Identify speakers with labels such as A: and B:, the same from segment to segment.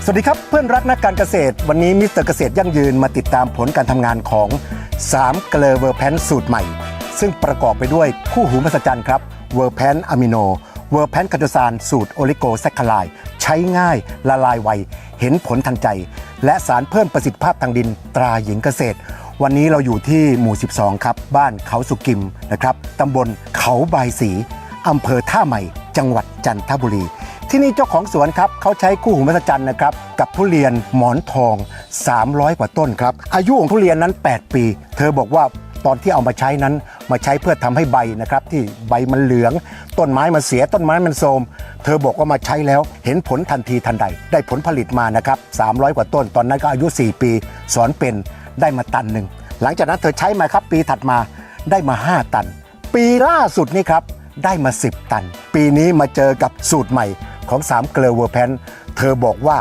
A: สวัสดีครับเพื่อนรักนักการเกษตรวันนี้มิสเตอร์เกษตรยั่งยืนมาติดตามผลการทำงานของ3เกลอเวอร์แพนสูตรใหม่ซึ่งประกอบไปด้วยคู่หูมหัศจรรย์ครับเวอร์แพนอะมิโนเวอร์แพนคาโตซานสูตรโอลิโกแซคคาไลด์ใช้ง่ายละลายไวเห็นผลทันใจและสารเพิ่มประสิทธิภาพทางดินตราหญิงเกษตรวันนี้เราอยู่ที่หมู่12ครับบ้านเขาสุกิมนะครับตำบลเขาบายสีอำเภอท่าใหม่จังหวัดจันทบุรีที่นี่เจ้าของสวนครับเขาใช้คู่หูมหัศจรรย์นะครับกับทุเรียนหมอนทอง300กว่าต้นครับอายุของทุเรียนนั้น8ปีเธอบอกว่าตอนที่เอามาใช้นั้นมาใช้เพื่อทำให้ใบนะครับที่ใบมันเหลืองต้นไม้มันเสียต้นไม้มันโทรมเธอบอกว่ามาใช้แล้วเห็นผลทันทีทันใดได้ผลผลิตมานะครับ300กว่าต้นตอนนั้นก็อายุ4ปีสอนเป็นได้มาตันหนึ่งหลังจากนั้นเธอใช้มาครับปีถัดมาได้มา5ตันปีล่าสุดนี่ครับได้มา10ตันปีนี้มาเจอกับสูตรใหม่ของ3เกลอเวอร์แพนเธอบอกว่า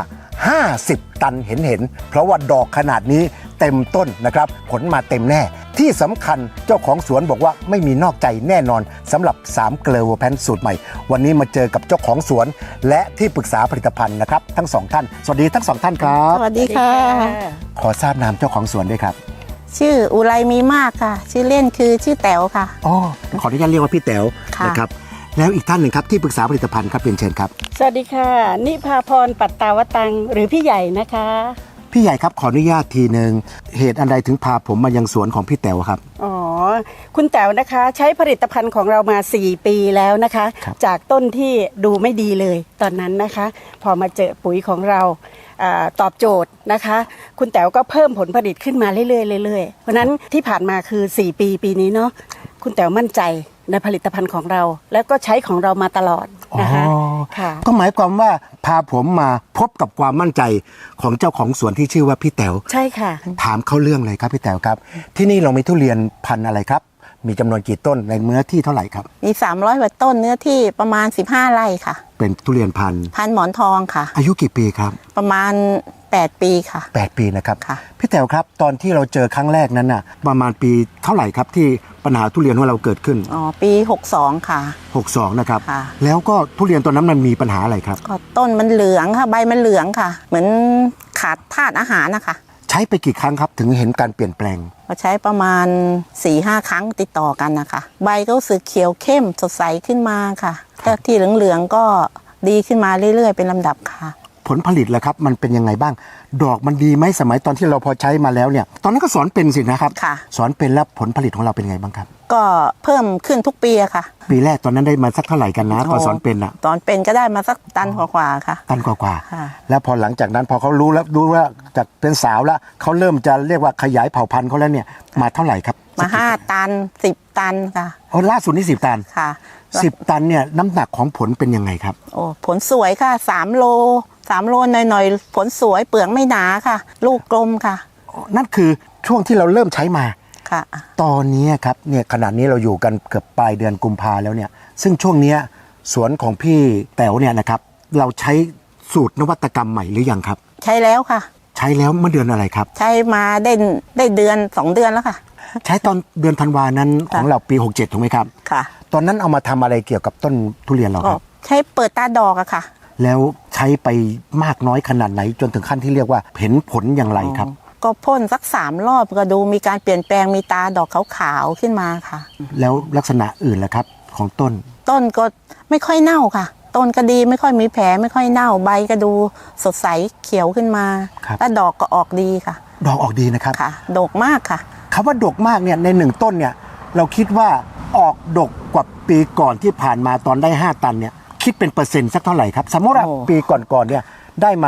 A: 50ตันเห็นเพราะว่าดอกขนาดนี้เต็มต้นนะครับผลมาเต็มแน่ที่สำคัญเจ้าของสวนบอกว่าไม่มีนอกใจแน่นอนสำหรับ3เกลอเวอร์แพนสูตรใหม่วันนี้มาเจอกับเจ้าของสวนและที่ปรึกษาผลิตภัณฑ์นะครับทั้ง2ท่านสวัสดีทั้ง2ท่านครับ
B: สวัสดีค่ะ
A: ขอทราบนามเจ้าของสวนด้วยครับ
B: ชื่ออุไรมีมากค่ะชื่อเล่นคือชื่อแต๋วค่ะ
A: อ๋อขออนุญาตเรียกว่าพี่แต๋วนะครับแล้วอีกท่านหนึ่งครับที่ปรึกษาผลิตภัณฑ์ครับเรียนเชิญครับ
C: สวัสดีค่ะนิพาพรปัตตาวตังหรือพี่ใหญ่นะคะ
A: พี่ใหญ่ครับขออนุญาตทีหนึ่งเหตุอันใดถึงพาผมมายังสวนของพี่แต๋วครับ
C: อ๋อคุณแต๋วนะคะใช้ผลิตภัณฑ์ของเรามา4ปีแล้วนะคะจากต้นที่ดูไม่ดีเลยตอนนั้นนะคะพอมาเจอปุ๋ยของเราตอบโจทย์นะคะคุณแต๋วก็เพิ่มผลผลิตขึ้นมาเรื่อยๆเพราะนั้นที่ผ่านมาคือ4ปีนี้เนาะคุณแต๋วมั่นใจในผลิตภัณฑ์ของเราแล้วก็ใช้ของเรามาตลอดนะคะ
A: ก็หมายความว่าพาผมมาพบกับความมั่นใจของเจ้าของสวนที่ชื่อว่าพี่แต๋ว
C: ใช่ค่ะ
A: ถามเขาเรื่องเลยครับพี่แต๋วครับที่นี่เรามีทุเรียนพันธุ์อะไรครับมีจำนวนกี่ต้นในเนื้อที่เท่าไหร่ครับ
B: มี300กว่าต้นเนื้อที่ประมาณ15ไร่ค่ะ
A: เป็นทุเรียนพันธุ์
B: หมอนทองค่ะ
A: อายุกี่ปีครับ
B: ประมาณ8ปีค่ะ
A: 8ปีนะครับพี่แต๋วครับตอนที่เราเจอครั้งแรกนั้นน่ะประมาณปีเท่าไหร่ครับที่ปัญหาทุเรียนของเราเกิดขึ้น
B: อ๋อปี62ค่ะ
A: 62นะครับแล้วก็ทุเรียนตัวนั้นมันมีปัญหาอะไรครับ
B: ก็ต้นมันเหลืองค่ะใบมันเหลืองค่ะเหมือนขาดธาตุอาหารนะคะ
A: ใช้ไปกี่ครั้งครับถึงเห็นการเปลี่ยนแปลง
B: ก็ใช้ประมาณ 4-5 ครั้งติดต่อกันนะคะใบก็รู้สึกเขียวเข้มสดใสขึ้นมาค่ะแต่ที่เหลืองๆก็ดีขึ้นมาเรื่อยๆเป็นลำดับค่ะ
A: ผลผลิตล่ะครับมันเป็นยังไงบ้างดอกมันดีไหมสมัยตอนที่เราพอใช้มาแล้วเนี่ยตอนนั้นก็สอนเป็นสินะครับสอนเป็นแล้วผลผลิตของเราเป็นยังไงบ้างครับ
B: ก็เพิ่มขึ้นทุกปีอะค่ะ
A: ปีแรกตอนนั้นได้มาสักเท่าไหร่กันนะตอนสอนเป็นอะ
B: ตอนเป็นก็ได้มาสักตันกว่าๆค่ะ
A: ตันกว่าแล้วพอหลังจากนั้นพอเขารู้ว่าจากเป็นสาวแล้วเขาเริ่มจะเรียกว่าขยายเผ่าพันธุ์เขาแล้วเนี่ยมาเท่าไหร่ครับ
B: มา5ตัน10ตันค่ะ
A: ล่าสุดนี่10ตัน
B: ค่ะ
A: 10ตันเนี่ยน้ำหนักของผลเป็นยังไงครับ
B: โอ้ผลสวยค่ะ3 โลหน่อยๆผลสวยเปลือกไม่หนาค่ะลูกกลมค่ะ
A: นั่นคือช่วงที่เราเริ่มใช้มา
B: ค่ะ
A: ตอนนี้ครับเนี่ยขณะนี้เราอยู่กันเกือบปลายเดือนกุมภาแล้วเนี่ยซึ่งช่วงนี้สวนของพี่แต๋วเนี่ยนะครับเราใช้สูตรนวัตกรรมใหม่หรือยังครับ
B: ใช้แล้วค่ะ
A: ใช้แล้วเมื่อเดือนอะไรครับ
B: ใช้มาได้เดือน2 เดือนแล้วค่ะ
A: ใช้ตอนเดือนธันวานั้นของเราปี67ถูกไหมครับ
B: ค่ะ
A: ตอนนั้นเอามาทำอะไรเกี่ยวกับต้นทุเรียนเราครับ
B: ใช้เปิดตาดอกอะค่ะ
A: แล้วใช้ไปมากน้อยขนาดไหนจนถึงขั้นที่เรียกว่าเห็นผลอย่างไรครับ
B: ก็พ่นสัก3 รอบก็ดูมีการเปลี่ยนแปลงมีตาดอกขาวๆขึ้นมาค่ะ
A: แล้วลักษณะอื่นล่ะครับของต้น
B: ก็ไม่ค่อยเน่าค่ะต้นก็ดีไม่ค่อยมีแผลไม่ค่อยเน่าใบก็ดูสดใสเขียวขึ้นมาและดอกก็ออกดีค่ะ
A: ดอกออกดีนะครับ
B: ค่ะดกมากค่ะ
A: คำว่าดกมากเนี่ยใน1ต้นเนี่ยเราคิดว่าออกดกกว่าปีก่อนที่ผ่านมาตอนได้5ตันเนี่ยคิดเป็นเปอร์เซ็นต์สักเท่าไหร่ครับสมมติว่าปีก่อนเนี่ยได้มา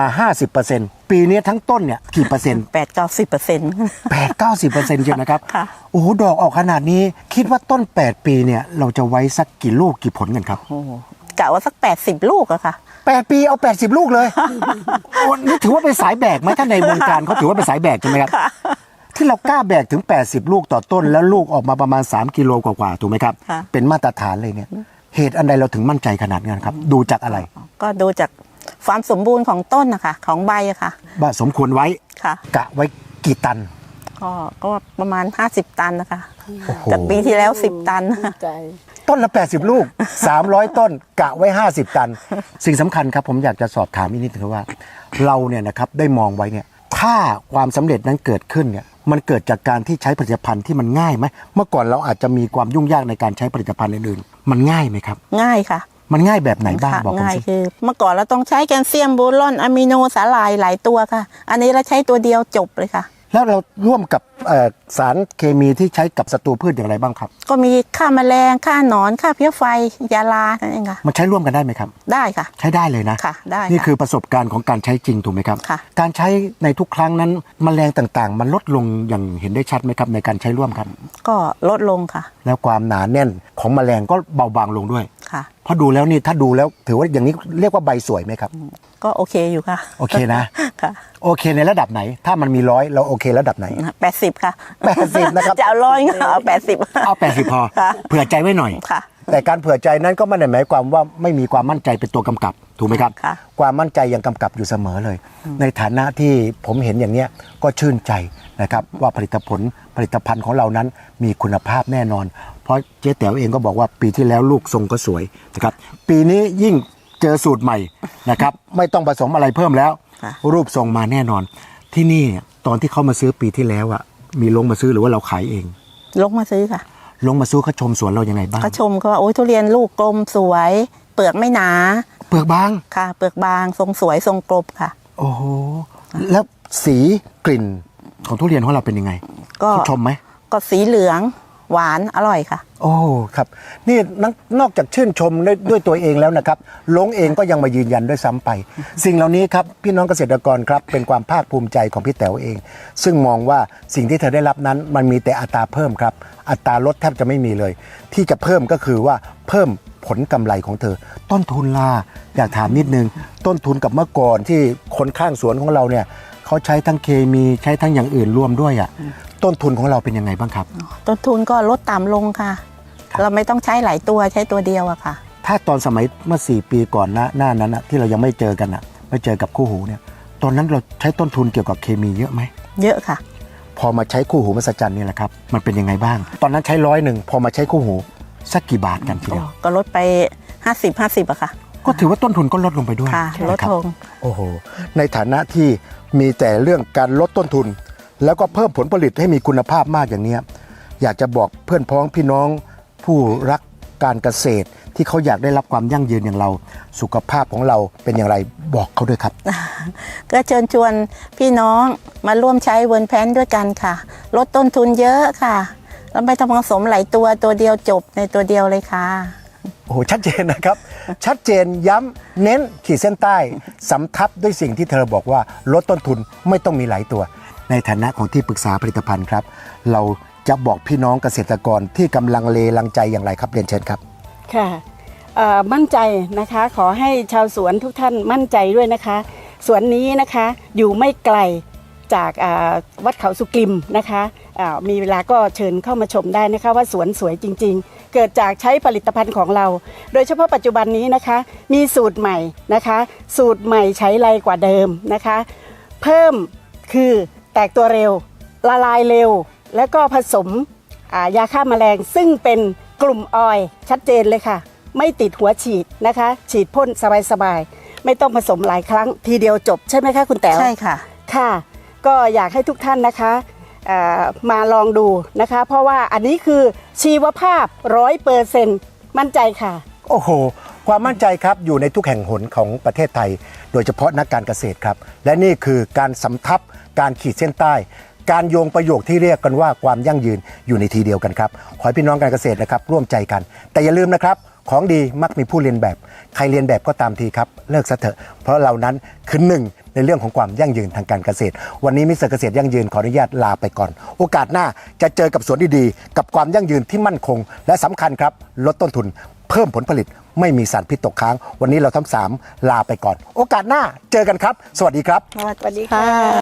A: 50%ปีนี้ทั้งต้นเนี่ยกี่เปอร์เซ็นต์
B: 8-90%
A: 8-90%ใช่ไหมครับโอ้โหดอกออกขนาดนี้คิดว่าต้น8ปีเนี่ยเราจะไว้สักกี่ลูกกี่ผลกันครับ
B: กะว่าสัก80ลูกอะค่ะ
A: 8ปีเอา80ลูกเลยนี่ถือว่าเป็นสายแบกไหมถ้าในวงการเขาถือว่าเป็นสายแบกใช่ไหมครับที่เรากล้าแบกถึง80ลูกต่อต้นแล้วลูกออกมาประมาณ3 กิโลกว่าถูกไหมครับเป็นมาตรฐานเลยเนี่ยเหตุอันใดเราถึงมั่นใจขนาดนั้นครับดูจากอะไร
B: ก็ดูจากความสมบูรณ์ของต้นนะคะของใบอะค่ะ
A: ว่าสมควรไว้กะไว้กี่ตัน
B: ก็ประมาณ50ตันนะคะจากปีที่แล้ว10ตัน
A: ต้นละ 80 ลูก 300 ต้นกะไว้ 50 ตัน สิ่งสำคัญครับผมอยากจะสอบถามอีกนิดนึงว่า เราเนี่ยนะครับได้มองไว้เนี่ยถ้าความสำเร็จนั้นเกิดขึ้นเนี่ยมันเกิดจากการที่ใช้ผลิตภัณฑ์ที่มันง่ายไหมเมื่อก่อนเราอาจจะมีความยุ่งยากในการใช้ผลิตภัณฑ์อื่นๆมันง่ายไหมครับ
B: ง่ายค่ะ
A: มันง่ายแบบไหนบ้าง
B: ค่ะ
A: บอกผม
B: ง่าย
A: สิ
B: คือเมื่อก่อนเราต้องใช้แคลเซียมโบรอนอะมิโนสาหร่ายหลายตัวค่ะ อันนี้เราใช้ตัวเดียวจบเลยค่ะ
A: แล้วเราร่วมกับสารเคมีที่ใช้กับศัตรูพืชอย่างไรบ้างครับ
B: ก็มีฆ่าแมลงฆ่าหนอนฆ่าเพี้ยไฟยาลานั่นเองค่ะ
A: มันใช้ร่วมกันได้ไหมครับ
B: ได้ค่ะ
A: ใช้ได้เลยนะ
B: ค่ะได้ค่ะ
A: นี่คือประสบการณ์ของการใช้จริงถูกไหมครับ
B: ค่ะ
A: การใช้ในทุกครั้งนั้นแมลงต่างๆ มันลดลงอย่างเห็นได้ชัดไหมครับในการใช้ร่วมครับ
B: ก็ลดลงค่ะ
A: แล้วความหนาแน่นของแมลงก็เบาบางลงด้วย
B: ค่ะ
A: เพราะดูแล้วนี่ถ้าดูแล้วถือว่าอย่างนี้เรียกว่าใบสวยไหมครับ
B: ก็โอเคอยู่ค่ะ
A: โอเคนะ
B: ค่ะ
A: โอเคในระดับไหน ถ้ามันมี100เราโอเคระดับไหน
B: 80 ค่ะ
A: 80นะครับ
B: จะเอา100ก็เอา80
A: เอา80พอ
B: ค่ะ
A: เผื่อใจไว้หน่อย
B: ค่ะ
A: แต่การเผื่อใจนั้นก็ไม่ได้หมายความว่าไม่มีความมั่นใจเป็นตัวกำกับถูกไหมครับ
B: ค่ะ
A: ความมั่นใจยังกำกับอยู่เสมอเลย ในฐานะที่ผมเห็นอย่างเนี้ยก็ชื่นใจนะครับว่าผลิตภัณฑ์ของเรานั้นมีคุณภาพแน่นอน เพราะเจ๊แต๋วเองก็บอกว่าปีที่แล้วลูกทรงก็สวยนะครับปีนี้ยิ่งเจอสูตรใหม่นะครับ ไม่ต้องผสมอะไรเพิ่มแล้ว
B: ค่ะ
A: รูปทรงมาแน่นอน ที่นี่ตอนที่เขามาซื้อปีที่แล้วอ่ะมีลงมาซื้อหรือว่าเราขายเอง
B: ลงมาซื้อค่ะ
A: ลงมาซื้อเขาชมสวนเรายังไงบ้าง
B: เขาชมก็ว่าโอ้ยทุเรียนลูกกลมสวย เปลือกไม่หนา
A: เปลือกบาง
B: ค่ะ เปลือกบางทรงสวยทรงกลมค่ะ
A: โอ้โห แล้วสีกลิ่นของทุเรียนของเราเป็นยังไง
B: ก็
A: เขาชมไหม
B: ก็สีเหลืองหวานอร่อยค่ะ
A: โอ้ครับนี่นอกจากชื่นชมด้วยตัวเองแล้วนะครับลงเองก็ยังมายืนยันด้วยซ้ำไป สิ่งเหล่านี้ครับพี่น้องเกษตรกรครับเป็นความภาคภูมิใจของพี่แต๋วเอง ซึ่งมองว่าสิ่งที่เธอได้รับนั้นมันมีแต่อัตราเพิ่มครับอัตราลดแทบจะไม่มีเลย ที่จะเพิ่มก็คือว่าเพิ่มผลกำไรของเธอ ต้นทุนล่ะอยากถามนิดนึงต้นทุนกับเมื่อก่อนที่คนข้างสวนของเราเนี่ยเขาใช้ทั้งเคมีใช้ทั้งอย่างอื่นรวมด้วยอ่ะต้นทุนของเราเป็นยังไงบ้างครับ
B: ต้นทุนก็ลดต่ำลงค่ะ
A: ครับ
B: เราไม่ต้องใช้หลายตัวใช้ตัวเดียวอะค่ะ
A: ถ้าตอนสมัยเมื่อ4 ปีก่อนหน้านั้นนะที่เรายังไม่เจอกันนะไม่เจอกับคู่หูเนี่ยตอนนั้นเราใช้ต้นทุนเกี่ยวกับเคมีเยอะไหม
B: เยอะค่ะ
A: พอมาใช้คู่หูมหัศจรรย์นี่แหละครับมันเป็นยังไงบ้าง ตอนนั้นใช้100พอมาใช้คู่หูสักกี่บาทกันทีเดียว
B: ก็ลดไป 50อะค่ะ
A: ก็ถือว่าต้นทุนก็ลดลงไปด้วย
B: ค่ะ ลด
A: นะครับ
B: ลง
A: โอ้โหในฐานะที่มีแต่เรื่องการลดต้นทุน แล้วก็เพิ่มผลผลิตให้มีคุณภาพมากอย่างเนี้ยอยากจะบอกเพื่อนพ้องพี่น้องผู้รักการเกษตรที่เขาอยากได้รับความยั่งยืนอย่างเรา สุขภาพของเราเป็นอย่างไรบอกเขาด้วยครับ
B: ก็เชิญชวนพี่น้องมาร่วมใช้เวิร์นแพนด้วยกันค่ะ ลดต้นทุนเยอะค่ะแล้วไม่ต้องผสมหลายตัวเดียวจบในตัวเดียวเลยค่ะ
A: โอ้โหชัดเจนนะครับ ชัดเจนย้ำเน้นขีดเส้นใต้สำทับด้วยสิ่งที่เธอบอกว่าลดต้นทุนไม่ต้องมีหลายตัว ในฐานะของที่ปรึกษาผลิตภัณฑ์ครับ เราจะบอกพี่น้องเกษตรกรที่กำลังเลลังใจอย่างไรครับเรียนเชิญครับ
C: ค่ะมั่นใจนะคะขอให้ชาวสวนทุกท่านมั่นใจด้วยนะคะสวนนี้นะคะอยู่ไม่ไกลจากวัดเขาสุกิมนะคะมีเวลาก็เชิญเข้ามาชมได้นะคะว่าสวนสวยจริงๆ เกิดจากใช้ผลิตภัณฑ์ของเรา โดยเฉพาะปัจจุบันนี้นะคะมีสูตรใหม่นะคะสูตรใหม่ใช้ไรกว่าเดิมนะคะเพิ่มคือแตกตัวเร็วละลายเร็ว แล้วก็ผสมยาฆ่าแมลงซึ่งเป็นกลุ่มออยล์ชัดเจนเลยค่ะ ไม่ติดหัวฉีดนะคะ ฉีดพ่นสบายๆไม่ต้องผสมหลายครั้งทีเดียวจบใช่ไหมคะคุณแต๋ว
B: ใช่ค่ะ
C: ค่ะ ก็อยากให้ทุกท่านนะคะมาลองดูนะคะ เพราะว่าอันนี้คือชีวภาพ 100%มั่นใจค่ะ
A: โอ้โห ความมั่นใจครับอยู่ในทุกแห่งหนของประเทศไทย โดยเฉพาะนักการเกษตรครับ และนี่คือการสำทับการขีดเส้นใต้ การโยงประโยคที่เรียกกันว่าความยั่งยืนอยู่ในทีเดียวกันครับ ขอให้พี่น้องการเกษตรนะครับร่วมใจกัน แต่อย่าลืมนะครับของดีมักมีผู้เรียนแบบ ใครเรียนแบบก็ตามทีครับเลิกซะเถอะเพราะเรานั้นคือหนึ่งในเรื่องของความยั่งยืนทางการเกษตร วันนี้มิสเตอร์เกษตรยั่งยืนขออนุญาตลาไปก่อน โอกาสหน้าจะเจอกับสวนดีๆกับความยั่งยืนที่มั่นคง และสำคัญครับลดต้นทุน เพิ่มผลผลิตไม่มีสารพิษตกค้าง วันนี้เราทั้ง3ลาไปก่อน โอกาสหน้าเจอกันครับ สวัสดีครับ
B: สวัสดีค่ะ